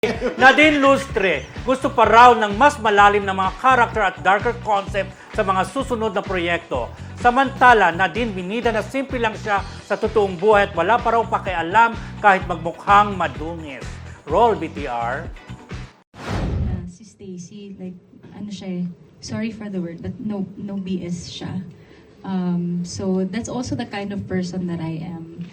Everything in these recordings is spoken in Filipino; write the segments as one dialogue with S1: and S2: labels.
S1: Nadine Lustre, gusto pa raw ng mas malalim na mga character at darker concept sa mga susunod na proyekto. Samantala, Nadine binida na simple lang siya sa totoong buhay at wala pa raw pakialam kahit magmukhang madungis. Roll BTR.
S2: Si Stacy, like, ano siya eh, sorry for the word, but no BS siya. So that's also the kind of person that I am.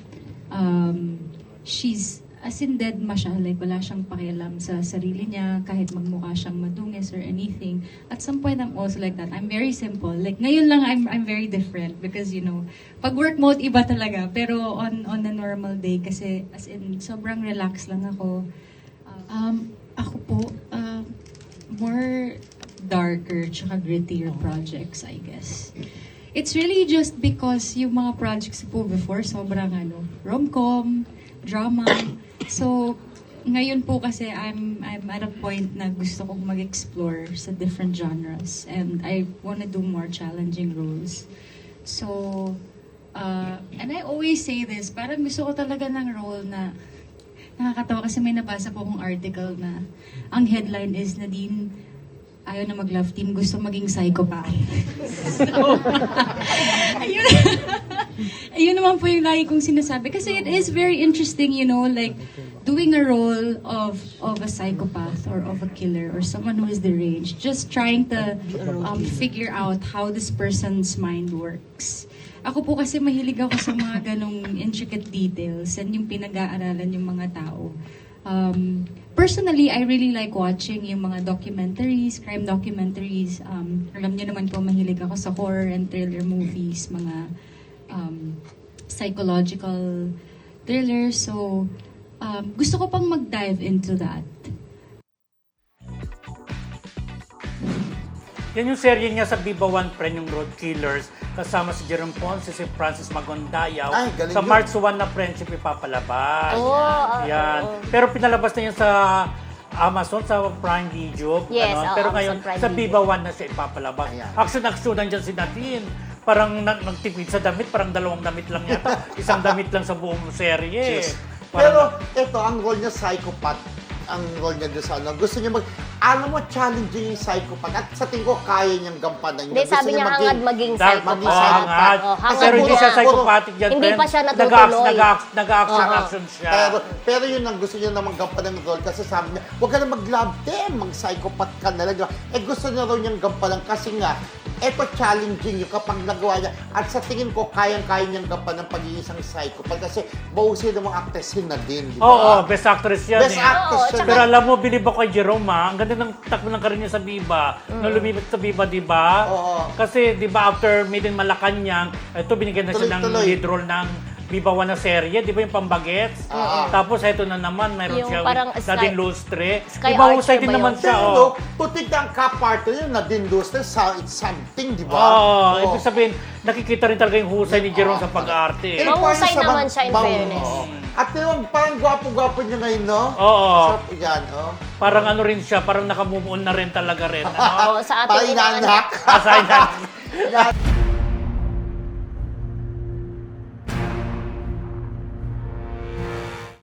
S2: She's as in dead ma siya, like wala siyang pakialam sa sarili niya, kahit magmukha siyang madungis or anything. At some point, I'm also like that. I'm very simple. Like ngayon lang, I'm very different because, you know, pag work mode, iba talaga. Pero on a normal day, kasi as in, sobrang relax lang ako. Ako po, more darker tsaka grittier projects, I guess. It's really just because yung mga projects po before, sobrang rom-com, drama. So, ngayon po kasi I'm at a point na gusto kong mag-explore sa different genres and I wanna do more challenging roles. So, and I always say this, parang gusto ko talaga ng role na nakakatawa kasi may nabasa po akong article na ang headline is Nadine ayaw na mag-love team, gusto maging psychopath. So, ayun naman po yung lagi kong sinasabi. Kasi it is very interesting, you know, like doing a role of a psychopath or of a killer or someone who is deranged. Just trying to figure out how this person's mind works. Ako po kasi mahilig ako sa mga ganong intricate details and yung pinag-aaralan yung mga tao. Personally, I really like watching yung mga documentaries, crime documentaries. Alam niyo naman po, mahilig ako sa horror and thriller movies, mga psychological thrillers. So, gusto ko pang mag-dive into that.
S1: Yan yung serye niya sa Viva One Friend, yung Road Killers, kasama si Jerome Ponce, si Francis Magondayaw.
S3: Ay, galing
S1: Sa
S3: yun.
S1: March 1 na Friendship ipapalabas. Yan.
S4: oo.
S1: Pero pinalabas na yan sa Amazon, sa Prime Video.
S4: Yes,
S1: ganon.
S4: oo,
S1: Pero
S4: Amazon
S1: ngayon,
S4: Prime
S1: sa
S4: Video.
S1: Viva One na siya ipapalabas.
S3: Ayan.
S1: Action-action nandiyan si Nadine. Parang nagtipid sa damit, parang 2 damit lang yata. Isang damit lang sa buong serye.
S3: Yes.
S1: Parang-
S3: Pero ito, ang role niya psychopath. Ang role niya doon sa gusto niya alam mo, challenging yung psychopath. At sa tingin ko, kaya niyang gampanan
S4: Hindi,
S3: niya.
S4: sabi niya hangad maging
S1: Dark,
S3: maging
S4: psychopath.
S3: psychopath.
S4: Oh, hangad
S1: Pero hindi
S4: niya.
S1: siya psychopathic yan,
S4: Hindi
S1: friend.
S4: pa siya natutuloy.
S1: Nag-action siya.
S3: Pero yun ang gusto niya namang gampanan ng role kasi sabi niya, huwag ka na mag-love them, mag-psychopath ka na lang. Diba? Gusto niya raw niyang gampanan kasi nga, eto challenging yung kapag nagawa niya. At sa tingin ko, kayang-kaya niyang gampanan ng pagiging isang psychopath kasi bahusin ng mga actressin na din, di ba?
S1: Oo, best actress yan
S3: Best
S1: eh.
S3: actress
S4: Oo,
S3: siya.
S1: Pero alam mo, bilib ako kay Jerome ha. Ang ganda ng takbo ng karir niya sa Viva. Nung lumipat sa Viva, di ba?
S3: Oo.
S1: Kasi, di ba, after Made in Malacanang, ito binigyan na siya ng
S3: Tuloy-tuloy.
S1: lead role ng Viva One na serye. Di ba yung Pambagets? Tapos, ito na naman, mayroon
S4: Yung
S1: siya
S4: parang
S1: Nadine
S4: Sky-
S1: Lustre.
S4: Sky
S1: Di ba, husay
S4: Archer
S1: din
S4: ba
S1: naman
S4: yun?
S1: siya.
S3: Pero,
S1: Oh.
S3: putik na ang ka-partner yun na din Lustre, it's something, di ba?
S1: Oo, ibig sabihin, nakikita rin talaga yung husay ni Jerome sa pag-arte. eh.
S4: Mahusay naman siya, in fairness.
S3: At yun, parang gwapo-gwapo niya ngayon, no?
S1: Oo.
S3: So, yan, oh.
S1: Parang ano rin siya, parang nakamove on na rin talaga rin. Ano?
S4: Oo, sa ating
S3: Parang
S4: inaanak.
S3: inanak.
S1: Asay na.